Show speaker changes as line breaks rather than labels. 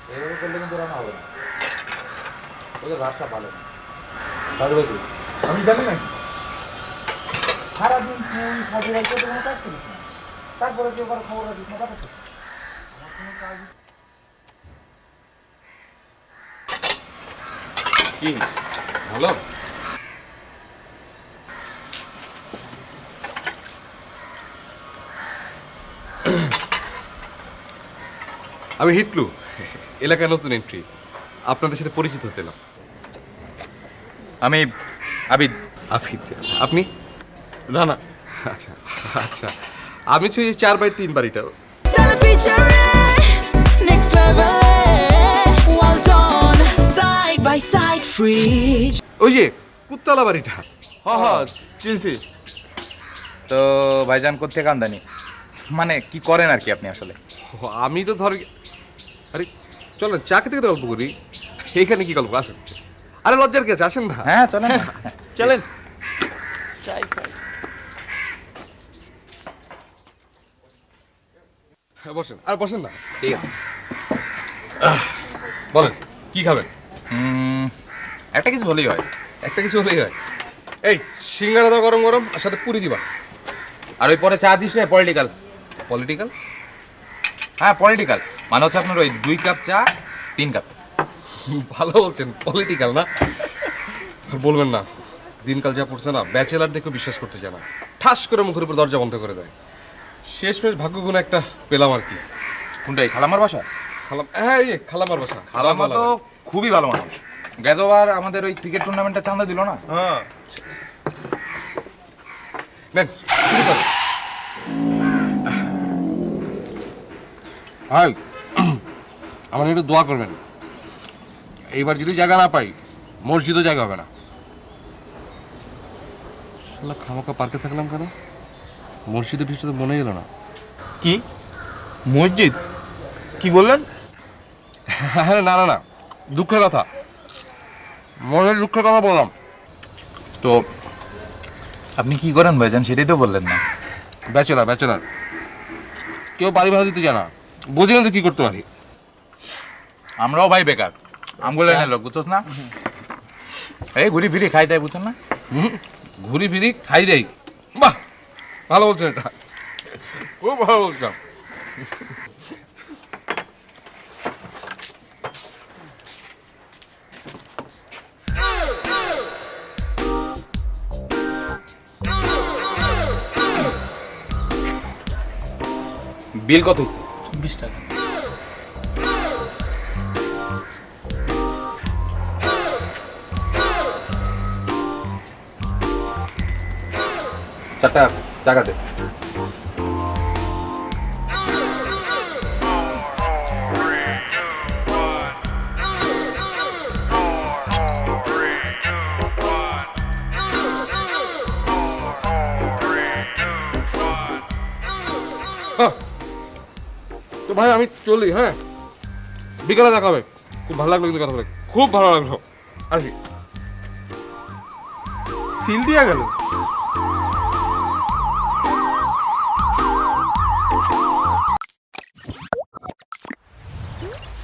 এভাবে করলে কিন্তু রান্না হবে না, ওদের ভাতটা ভালো না। পারবে কি? আমি জানি না সারাদিন তুই সাজে রাখতে তো কোনো কাজ করিস না, তারপরে তুই আবার খবর রাখিস না, ব্যাপারটা কি? আমার কোনো কাজ
কি ভালো? আমি হিটলু, এলাকায় নতুন এন্ট্রি, আপনাদের সাথে পরিচিত হতে এলাম।
আমি আবিদ।
আফিদ, আপনি? না, আচ্ছা আচ্ছা, আমি হচ্ছে 4x3 বাড়িটা।
Stella feature, next level, well done, side by side, free.
ওই যে কুত্তালা বাড়িটা।
হ্যাঁ চিনছি তো। ভাইজান কোত্থেকে আমদানি, মানে কি করেন আর কি আপনি আসলে?
আমি তো ধর, আরে চলো চা খেতে খেতে গল্প করি। এইখানে কি গল্প, আসেন। আরে লজ্জার কি আছে, আসেন না।
হ্যাঁ চলেন চলেন।
হ্যাঁ, বসেন, আর বসেন না।
ঠিক আছে।
বলেন কি খাবেন?
একটা কিছু বলেই হয়।
একটা কিছু হলেই হয়। এই সিঙ্গারা দাও গরম গরম, আর সাথে পুরি দিবা।
আর ওই পরে চা দিস না পলিটিক্যাল।
পলিটিক্যাল?
হ্যাঁ পলিটিক্যাল মানে হচ্ছে আপনার ওই 2 কাপ চা 3 কাপ।
ভালো বলছেন, পলিটিক্যাল না? আর বলবেন না, দিনকাল যা পড়ছে না, ব্যাচেলার দেখে বিশ্বাস করতে চায় না, ঠাস করে মুখের উপর দরজা বন্ধ করে দেয়। শেষমেশ ভাগ্যগুণ একটা পেলাম আর কি।
কোনটাই খালামার বাসা?
খালাম, হ্যাঁ এই যে খালামার বাসা।
খালামা তো খুবই ভালো মানুষ। গেজবার আমাদের ওই ক্রিকেট টুর্নামেন্টে চাঁদা দিল না?
হ্যাঁ, নেন শুরু করেন। হাই, আমার একটু দোয়া করবেন। এইবার যদি জায়গা না পাই, মসজিদও জায়গা হবে না। শালা খামাকা পার্কে থাকলাম কেন? মসজিদের বিষয়টা তো মনে এলো না।
কি মসজিদ? কি বললেন?
হ্যাঁ, না না না, দুঃখের কথা, মনের দুঃখের কথা বললাম।
তো আপনি কি করেন ভাইজান সেটাই তো বললেন না।
ব্যাচেলার ব্যাচেলার, কেউ বাড়ি ভাড়া দিতে জানা, বুঝি না তো কি করতে পারি।
আমরাও ভাই বেকার, আমগুলো এনে লোক বুঝছস না? এই ঘুরি ফিরি খাই তাই বুঝছেন না?
ঘুরি ফিরি খাই দেই। বাহ, ভালো বলছেন, এটা খুব ভালো বলছিলাম।
বিল কত হয়েছে?
20 টাকা।
চারটা টাকা দে।
হ্যাঁ, তো ভাই আমি চলি, হ্যাঁ বিকালে দেখা হবে। খুব ভালো লাগলো কিন্তু কথা বলে, খুব ভালো লাগলো আর কি।
সিল দিয়া গেল।